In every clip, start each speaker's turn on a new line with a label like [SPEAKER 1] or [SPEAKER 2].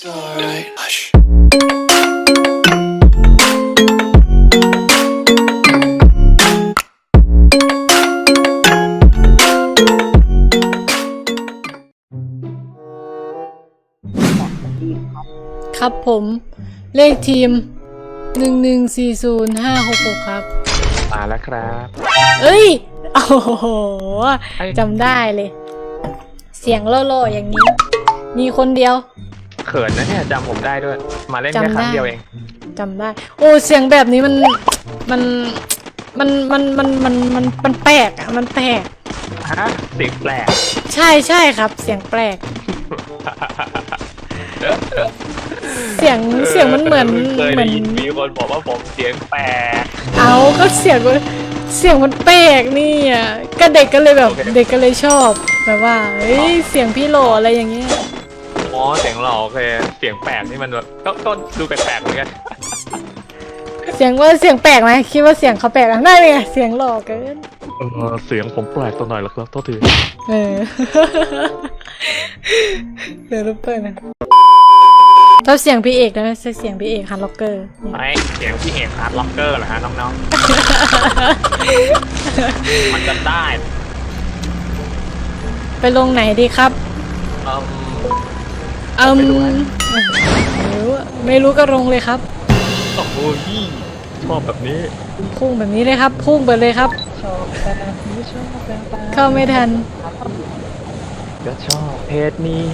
[SPEAKER 1] alright. Hush.
[SPEAKER 2] ครับผมเลขทีม1140566ครับ
[SPEAKER 3] มาแล้วครับ
[SPEAKER 2] เอ้ยโอ้โหจำได้เลยเสียงโล่ๆอย่างนี้มีคนเดียว
[SPEAKER 3] เขินนะเนี่ยจำผมได้ด้วยมาเล่นแค่ครั้งเดียวเอง
[SPEAKER 2] จำได้โอ้เสียงแบบนี้มันแปลกอ่ะมันแปลก
[SPEAKER 3] ฮะเสียงแปลก
[SPEAKER 2] ใช่ครับเสียงแปลกเสียงมันเหมือน
[SPEAKER 3] มีคนบอกว่าผมเสียงแปลก
[SPEAKER 2] เอาก็เสียงมันแปลกนี่อ่ะก็เด็กก็เลยแบบเด็กก็เลยชอบแบบว่าเฮ้ยเสียงพี่โหลอะไรอย่างเงี้ย
[SPEAKER 3] อ๋อเสียงหล่อโอเคเสียงแปลกนี่มันแบบก็ดูแปลกๆเหมือนกัน
[SPEAKER 2] เสียงแปลกไหมคิดว่าเสียงเขาแปลกอ่ะได้ไงเสียงหล่อเกิน
[SPEAKER 3] เสียงผมแปลกตัวหน่อยละครับโทษที
[SPEAKER 2] เดี๋ยวรูปเปิดนะชอบเสียงพี่เอกนะใช่เสียงพี่เอกฮาร์ดล็อกเกอร์
[SPEAKER 3] ไม่เสียงพี่เอกฮาร์ดล็อกเกอร์เหรอฮะน้องๆมันจะได้
[SPEAKER 2] ไปลงไหนดีครับไม่รู้ก็ลงเลยครับ
[SPEAKER 3] โอ้โหชอบแบบนี้
[SPEAKER 2] พุ่งแบบนี้เลยครับพุ่งไปเลยครับเข้าไม่ทัน
[SPEAKER 3] ก็ชอบเพจนี้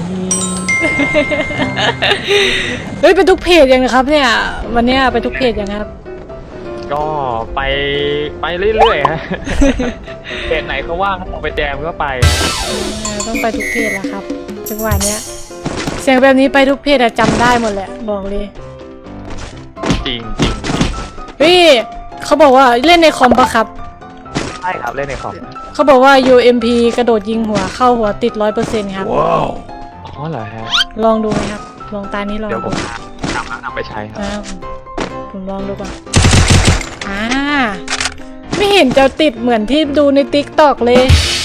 [SPEAKER 2] เฮ้ยไปทุกเพจยังนะครับเนี่ยวันนี้ไปทุกเพจยังครับ
[SPEAKER 3] ก็ไปเรื่อยๆฮะเพจไหนเขาว่างเอาไปแจมก็ไป
[SPEAKER 2] ต้องไปทุกเพจแล้วครับจังหวะเนี้ยเสียงแบบนี้ไปทุกเพจจำได้หมดแหละบอกเลย
[SPEAKER 3] จริง
[SPEAKER 2] พี่เขาบอกว่าเล่นในคอมปะครับ
[SPEAKER 3] ใช่ครับเล่นในคอม
[SPEAKER 2] เขาบอกว่า UMP กระโดดยิงหัวเข้าหัวติด 100% ครับ
[SPEAKER 3] ว้าวอ๋อเหรอฮะ
[SPEAKER 2] ลองดูไหมครับลองตานี้ลอง
[SPEAKER 3] เดี๋ยวผมนำไปใช้ครับ
[SPEAKER 2] ผมลองดูก่อนไม่เห็นจะติดเหมือนที่ดูใน TikTok เลย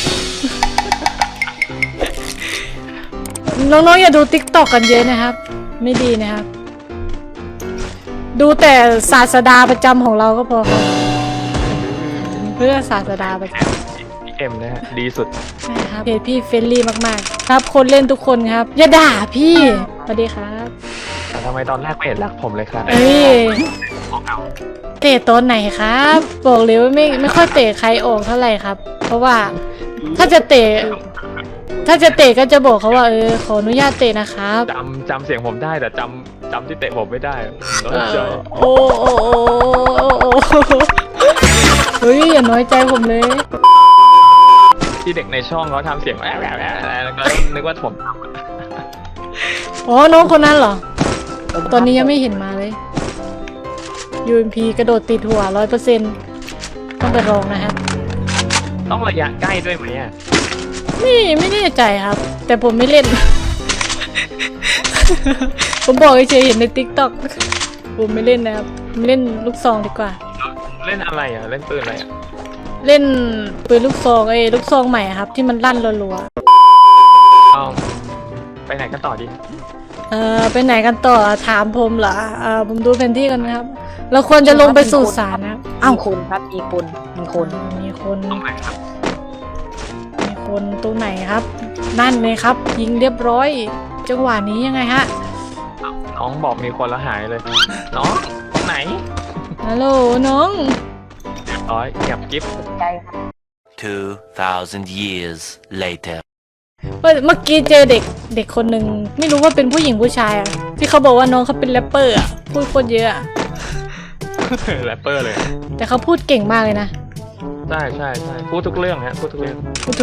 [SPEAKER 2] น้องๆอย่าดู TikTok กันเยอะนะครับไม่ดีนะครับดูแต่ศาสดาประจำของเราก็พอครับเพื่อศาสดาประจำ
[SPEAKER 3] เอ็มนะฮะดีสุด
[SPEAKER 2] ใช่ครับเพจพี่เฟรนลี่มากๆครับคนเล่นทุกคนครับอย่าด่าพี่สวัสดีครับ
[SPEAKER 3] แต่ทำไมตอนแรกไม่เห็นรักผมเลยครับ
[SPEAKER 2] เตะตอนไหนครับบอกเลยว่าไม่ค่อยเตะใครออกเท่าไหร่ครับเพราะว่าถ้าจะเตะก็จะบอกเขาว่าขออนุญาตเตะนะครับ
[SPEAKER 3] จำเสียงผมได้แต่จำที่เตะผมไม่ได้น้อยใจ
[SPEAKER 2] โอ้เฮ้ยอย่าน้อยใจผมเลย
[SPEAKER 3] ที่เด็กในช่องเขาทำเสียงแล้วก็นึกว่าผมท
[SPEAKER 2] ำอ๋อน้องคนนั้นเหรอตอนนี้ยังไม่เห็นมาเลย UMP กระโดดติดหัว 100% ต้องไปลองนะครับ
[SPEAKER 3] ต้องระยะใกล้ด้วยไหมอ่ะ
[SPEAKER 2] ไม่แน่ใจครับแต่ผมไม่เล่น ผมบอกเฉยๆเห็นใน TikTok ผมไม่เล่นนะครับเล่นลูกซองดีกว่า
[SPEAKER 3] เล่นอะไรอ่ะเล่นปืนอะไรอ่ะ
[SPEAKER 2] เล่นปืนลูกซองลูกซองใหม่ครับที่มันลั่นรัว
[SPEAKER 3] ๆไปไหนกันต่อดี
[SPEAKER 2] ไปไหนกันต่อถามผมเหรอผมดูแผนที่กันนะครับเราควรจะลงไปสู่ศาลนะครับ
[SPEAKER 4] คนครับมีคน
[SPEAKER 2] ตรงไหนครับมีคนตรงไหนครับนั่นเลยครับยิงเรียบร้อยจังหวะนี้ยังไงฮะ
[SPEAKER 3] น้องบอกมีคนแล้วหายเลยน้องตรงไหน
[SPEAKER 2] ฮัลโหลน้อง
[SPEAKER 3] เงียบกิ๊บ
[SPEAKER 4] ใจครับ
[SPEAKER 1] 2,000 years later
[SPEAKER 2] เมื่อกี้เจอเด็กคนหนึ่งไม่รู้ว่าเป็นผู้หญิงผู้ชายอ่ะที่เขาบอกว่าน้องเขาเป็นแรปเปอร์อ่ะพูดโคตรเยอะ
[SPEAKER 3] แรปเปอร์เลย
[SPEAKER 2] แต่เขาพูดเก่งมากเลยนะ
[SPEAKER 3] ใช่พูดทุกเรื่องฮะพูดทุกเรื่อง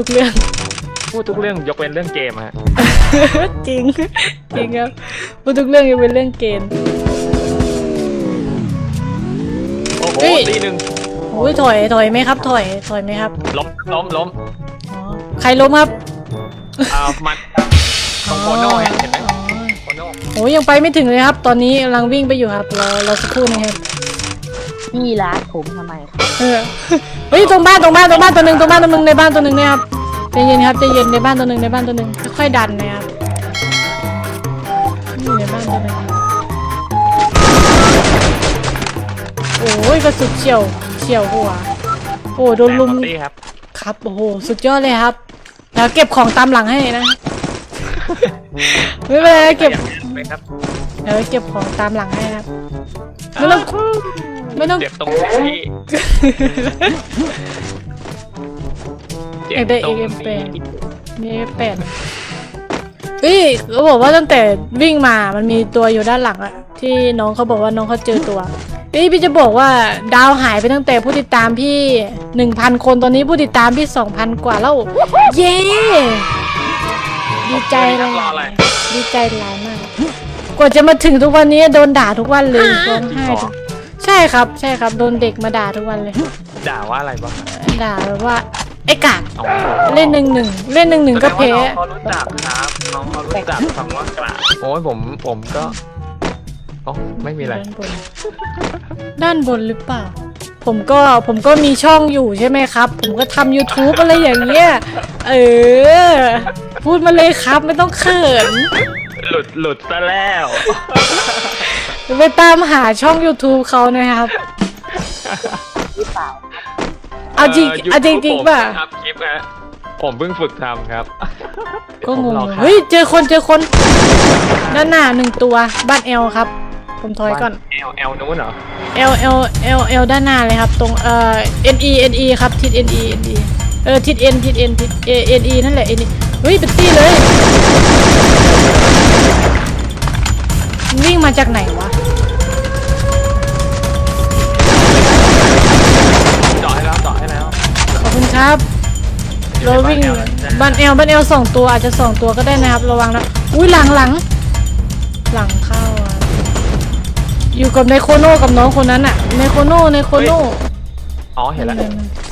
[SPEAKER 3] ยกเว้นเรื่องเกมฮะ
[SPEAKER 2] จริงครับพูดทุกเรื่องยกเว้นเรื่องเกม
[SPEAKER 3] โอ้โหตีหนึ่ง
[SPEAKER 2] โอ้ยถอยไหมครับถอยไหมครับ
[SPEAKER 3] ล้ม
[SPEAKER 2] ใครล้มครับ
[SPEAKER 3] มันตรงโคโน่เห็นไหมโคโน่
[SPEAKER 2] โอ้ยังไปไม่ถึงเลยครับตอนนี้กำลังวิ่งไปอยู่ครับเราสักครู่นะครับ
[SPEAKER 4] พี่รักผมทำไม
[SPEAKER 2] เฮ้ยตรงบ้านตัวหนึ่งในบ้านตัวหนึ่งนะครับใจเย็นครับใจเย็นในบ้านตัวหนึ่งค่อยๆดันนะครับในบ้านใช่ไหมครับโอ้ยกระสุนเฉียวหัวโอ้โดนลุม
[SPEAKER 3] ตี้ครับ
[SPEAKER 2] ครับโอ้โหสุดยอดเลยครับแล้วเก็บของตามหลังให้นะ ไม่เป็นไรเก็บ
[SPEAKER 3] ไหมครับ
[SPEAKER 2] เดี๋ยวเก็บของตามหลังให้ครับไม่ต้อง
[SPEAKER 3] เจ็บตรงนี้
[SPEAKER 2] เอกได้เอ็มเป็นนี่เป็นเฮ้ยเขาบอกว่าตั้งแต่วิ่งมามันมีตัวอยู่ด้านหลังอะที่น้องเขาบอกว่าน้องเขาเจอตัวเฮ้ยพี่จะบอกว่าดาวหายไปตั้งแต่ผู้ติดตามพี่ 1,000 คนตอนนี้ผู้ติดตามพี่ 2,000 กว่าแล้วเย้ดีใจเลยดีใจหลายมากกว่าจะมาถึงทุกวันนี้โดนด่าทุกวันเลยร้องไห้ทุกใช่ครับโดนเด็กมาด่าทุกวันเลย
[SPEAKER 3] ด่าว่าอะไรบ้าง
[SPEAKER 2] ด่าแบบว่าไอ้กาก
[SPEAKER 3] อ๋อ
[SPEAKER 2] เล่น1-1ก็แพ้
[SPEAKER 3] น้องเขารู้จักครับน้องเขารู้จักคำว่ากราบโอ้ยผมก็โอ้ไม่มีอะไร
[SPEAKER 2] ด้านบนหรือเปล่าผมก็มีช่องอยู่ใช่ไหมครับผมก็ทำ YouTube อะไรอย่างเงี้ยพูดมาเลยครับไม่ต้องเขิน
[SPEAKER 3] หลุดซะแล้ว
[SPEAKER 2] ไปตามหาช่อง YouTube เขานะครับ
[SPEAKER 4] หรือเปล่า
[SPEAKER 2] เอาจริงป่ะ
[SPEAKER 3] ผมทำคลิปนะผมเพิ่งฝึกทำครับ
[SPEAKER 2] ก็งง
[SPEAKER 3] ผมรอครับ
[SPEAKER 2] เฮ้ยเจอคนด้านหน้า1ตัวบ้านเอลครับผมถอยก่อน
[SPEAKER 3] แอลนู้นเหรอ
[SPEAKER 2] L ด้านหน้าเลยครับตรงNE ครับทิศ NE ทิศ N ทิศ NE นั่นแหละ NE เฮ้ยเป็นตี้เลยวิ่งมาจากไหนวะ
[SPEAKER 3] เจาะให้แล้ว
[SPEAKER 2] ขอบคุณครับเราวิ่งบ้านเอล2ตัวอาจจะ2ตัวก็ได้นะครับระวังนะอุ้ยหลังเข้าอ่ะอยู่กับไนโคโน่กับน้องคนนั้นอะไนโคโน่
[SPEAKER 3] อ๋อเห็นแล้ว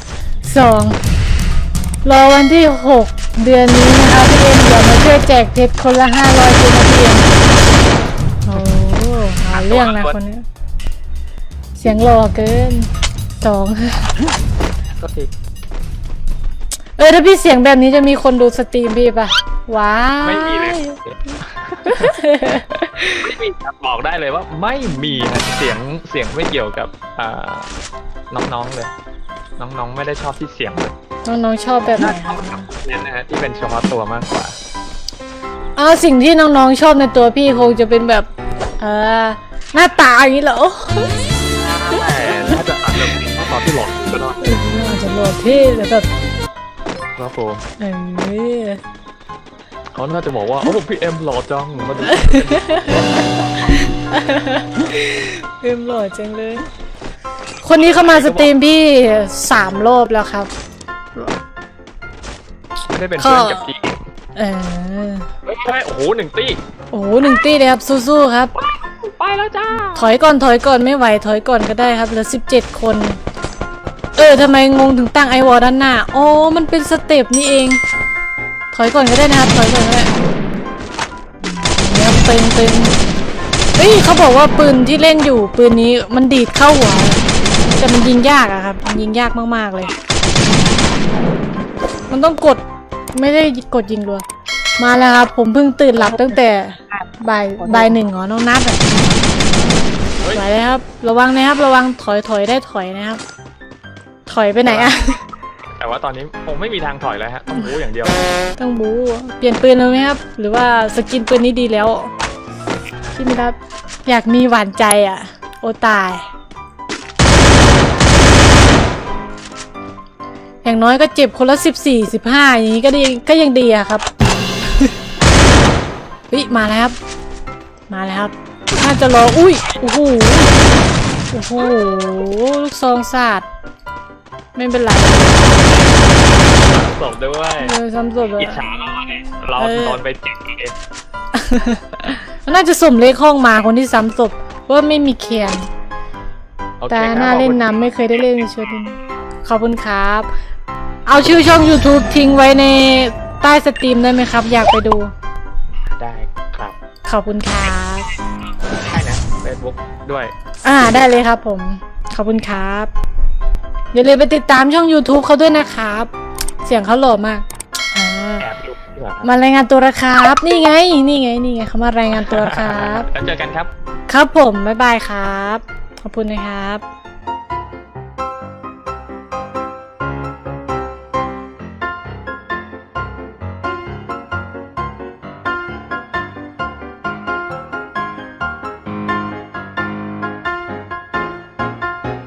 [SPEAKER 2] 2รอวันที่6เดือนนี้นะคะพี่เอ็มเดี๋ยวมาช่วยแจกเพชรคนละ500เพชรนะพี่เอ็มโอ้หาเรื่องนะคนนี้เสียงหล่อเกิน2
[SPEAKER 3] ก็ที
[SPEAKER 2] ถ้าพี่เสียงแบบนี้จะมีคนดูสตรีมพี่ปะว้า
[SPEAKER 3] ไม่มีเลยไม่มีครับบอกได้เลยว่าไม่มีครับเสียงไม่เกี่ยวกับน้องๆเลย น้องๆไม่ได้ชอบที่เสียงเลย
[SPEAKER 2] น้องๆชอบแบบไหน
[SPEAKER 3] เนี่ยนะฮะที่เป็นเฉพาะตัวมากกว่า
[SPEAKER 2] สิ่งที่น้องๆชอบในตัวพี่คงจะเป็นแบบหน้าตาอย่างนี้เหรอ
[SPEAKER 3] แต่ถ้าจะอัดแบบนี้ตอนที่หลอกก็ได้
[SPEAKER 2] อาจจะหล่อเท่แต่แบบ
[SPEAKER 3] ครับผม
[SPEAKER 2] เออ
[SPEAKER 3] เขาน่าจะบอกว่าโอ้พี่เอ็มหล่อจังมาดู
[SPEAKER 2] เอ็มหล่อจังเลย คนนี้เข้ามาสตรีมพี่3 รอบแล้วครับ
[SPEAKER 3] ไม่ได้เป็นเพื่อนกับจี
[SPEAKER 2] เออ
[SPEAKER 3] ใช่โอ้โห1 ตี้
[SPEAKER 2] โอ้โห1 ตี้เลยครับสู้ๆครับ
[SPEAKER 3] ไปแล้วจ้า
[SPEAKER 2] ถอยก่อนไม่ไหวถอยก่อนก็ได้ครับเหลือ17 คนทำไมงงถึงตั้งไอวอลด้านหน้าอ๋อมันเป็นสเต็ปนี่เองถอยก่อนก็ได้นะครับถอยก่อนก็ได้เนี่ยตึงเฮ้ยเขาบอกว่าปืนที่เล่นอยู่ปืนนี้มันดีดเข้าหัวแต่มันยิงยากอะครับมันยิงยากมากๆเลยมันต้องกดไม่ได้กดยิงรัวมาแล้วครับผมเพิ่งตื่นหลับตั้งแต่บ่าย 1น้องนัดอะไหวเลยครับระวังนะครับระวังถอยได้ถอยนะครับถอยไปไหนอะ
[SPEAKER 3] แต่ว่าตอนนี้คงไม่มีทางถอยแล้วฮะต้องบู๊อย่างเดียว
[SPEAKER 2] ต้องบูเปลี่ยนปืนเลยไหมครับหรือว่าสกินปืนนี้ดีแล้วพี่มิรับอยากมีหวานใจอ่ะโอตายอย่างน้อยก็เจ็บคนละ14-15อย่างนี้ก็ยังดีอะครับ เฮ้ยมาแล้วครับน่าจะรออุ้ยโอ้โหลูกซองสาดไม่เป็นไร
[SPEAKER 3] ศพด้วย
[SPEAKER 2] ซ้ำศพเลย
[SPEAKER 3] อิจฉาเราโดนไป7เอง
[SPEAKER 2] มันน่าจะสุ่มเลขห้องมาคนที่ซ้ำศพว่าไม่มีเคียน
[SPEAKER 3] โอเค
[SPEAKER 2] แต่
[SPEAKER 3] ครับ
[SPEAKER 2] น่าเล่นน้ำไม่เคยได้เล่นชุดนี้ขอบคุณครับ เอาชื่อช่อง YouTube ทิ้งไว้ในใต้สตรีมได้ไหมครับ อยากไปดู
[SPEAKER 3] ได้ครับ
[SPEAKER 2] ขอบคุณครับ
[SPEAKER 3] ได้นะ Facebook ด้วย
[SPEAKER 2] ได้เลยครับผมขอบคุณครับอย่าลืมไปติดตามช่อง YouTube เขาด้วยนะครับ เสียงเขาหล่อมาก
[SPEAKER 3] แอบดูดีกว่าครับ
[SPEAKER 2] มารายงานตัวแล้วครับ นี่ไงเขามารายงานตัวครับ
[SPEAKER 3] แล้วเจอกันครับ
[SPEAKER 2] ครับผมบ๊ายบายครับ ขอบคุณนะครับ